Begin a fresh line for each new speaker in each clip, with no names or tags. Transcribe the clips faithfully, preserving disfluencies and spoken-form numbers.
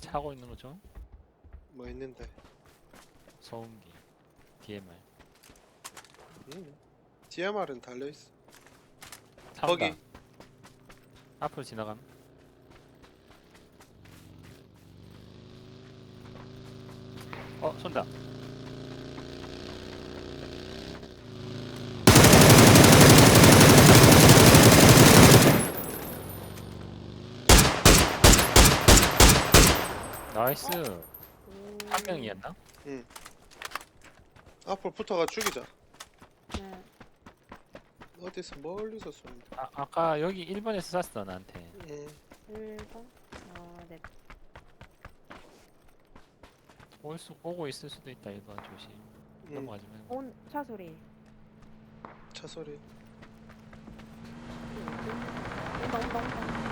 차고 있는 거죠?
뭐 있는데?
소음기, 디엠알.
음. 디엠알은 달려있어.
차
거기.
온다. 앞으로 지나감. 어, 쏜다. 나이스. 한 명이었나?
응. 앞으로 붙어가 죽이자.
네.
어디서 멀리서 쏜다.
아, 아까 여기 일 번에서 쐈어 나한테.
응.
일 번? 어, 네.
올 수, 오고 있을 수도 있다. 일 번 조심.
응.
넘어가지 말고.
온, 차 소리.
차 소리.
온다, 온다, 온다.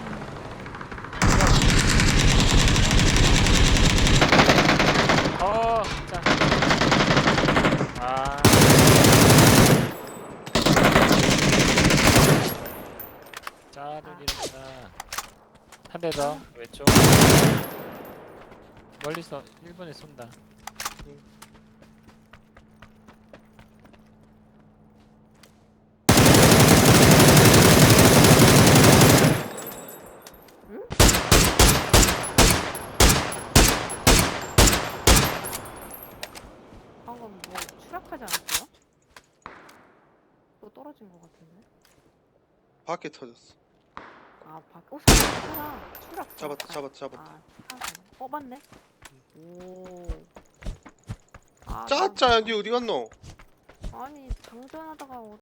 어, 진짜. 아. 짜를 잃었다. 한 대 더, 왼쪽. 멀리서 일 번에 쏜다.
응.
방금 뭐 추락하지 않았어요? 또 떨어진 것 같은데?
밖에 터졌어.
아, 밖, 어, 사람, 사람. 추락.
잡았다,
아,
잡았다, 잡았다.
아, 사람. 어, 맞네? 오. 아,
짜짜, 니 어디 갔노?
나, 아니, 장전하다가 어,